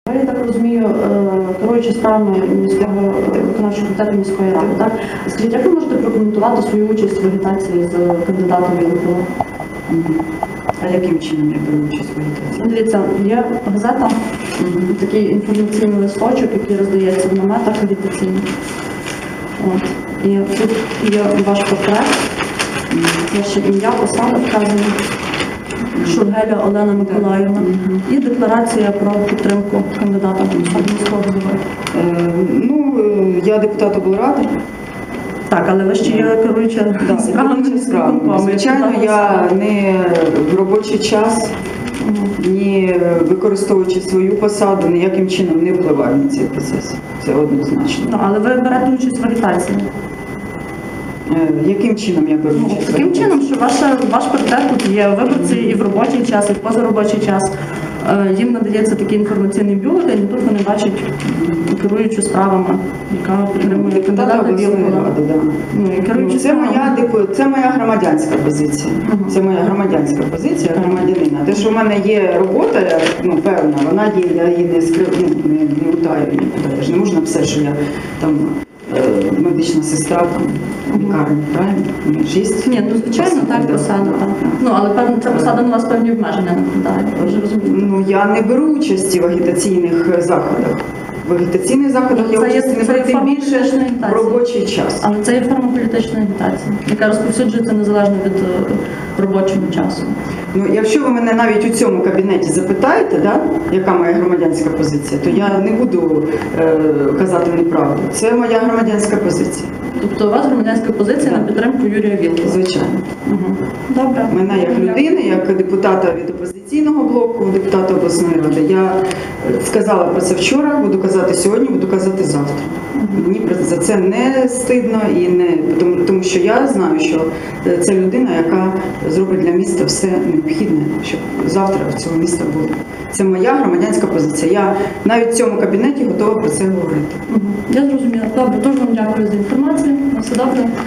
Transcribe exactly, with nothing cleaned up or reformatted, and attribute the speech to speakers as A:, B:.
A: Ви, я так розумію, керуючи справами міського виконавчого комітету міської ради, так? Скажіть, як ви можете прокоментувати свою участь в агітації з кандидатом в ЄНПО?
B: А яким чином я беру участь в агітації?
A: Дивіться, є газета, mm-hmm. такий інформаційний листочок, який роздається в наметах агітаційних. От. І тут є ваш портрет, mm-hmm. ваше ім'я, посада вказана. Шургеля Олена Миколаївна mm-hmm. і декларація про підтримку кандидата в міського голови.
B: Е, ну, я депутат облради.
A: Так, але ви ще є керуюча
B: да,
A: справами міського.
B: Звичайно, я не в робочий час, mm-hmm. ні використовуючи свою посаду, ніяким чином не впливаю на цей процес. Це однозначно.
A: Ну, але ви берете участь в агітації.
B: Яким чином я беру участь?
A: Ну, таким чином, що ваша, ваш портрет тут є, виборці і в робочий час, і в позаробочий час. Їм надається такий інформаційний бюлетень, і тут вони бачать керуючу справами, яка підтримує кандидата в
B: Білої ради. Да.
A: Ну,
B: ну, це, моя, це моя громадянська позиція. Uh-huh. Це моя громадянська позиція uh-huh. громадянина. Те, що в мене є робота, ну, певна, вона є, я її не скрив, ну, не, не утаю нікуди. Я ж не можу написати, що я там медична сестра там, в лікарні, правильно?
A: Ні, ну звичайно, так, посада. Так. Ну, але певно, ця посада на вас певні обмеження накладає, ви вже розумієте.
B: Ну, я не беру участі в агітаційних заходах. В агітаційних заходах я участь не беру, тим більше в робочий час.
A: Але це є форма політичної агітації, яка розповсюджується незалежно від робочого часу.
B: Ну, якщо ви мене навіть у цьому кабінеті запитаєте, да, яка моя громадянська позиція, то я не буду е, казати неправду. Це моя громадянська позиція.
A: Тобто у вас громадянська позиція да. на підтримку Юрія Вілкула?
B: Звичайно.
A: Угу. Добре.
B: Мене як людини, як депутата від опозиційного блоку, депутата обласної ради, я сказала про це вчора, буду казати сьогодні, буду казати завтра. Угу. Мені за це не стидно, і не, тому, тому що я знаю, що це людина, яка зробить для міста все необхідне, щоб завтра в цьому міста було. Це моя громадянська позиція. Я навіть в цьому кабінеті готова про це говорити.
A: Угу. Я зрозуміла. Добре, дуже вам дякую за інформацію. На все добре.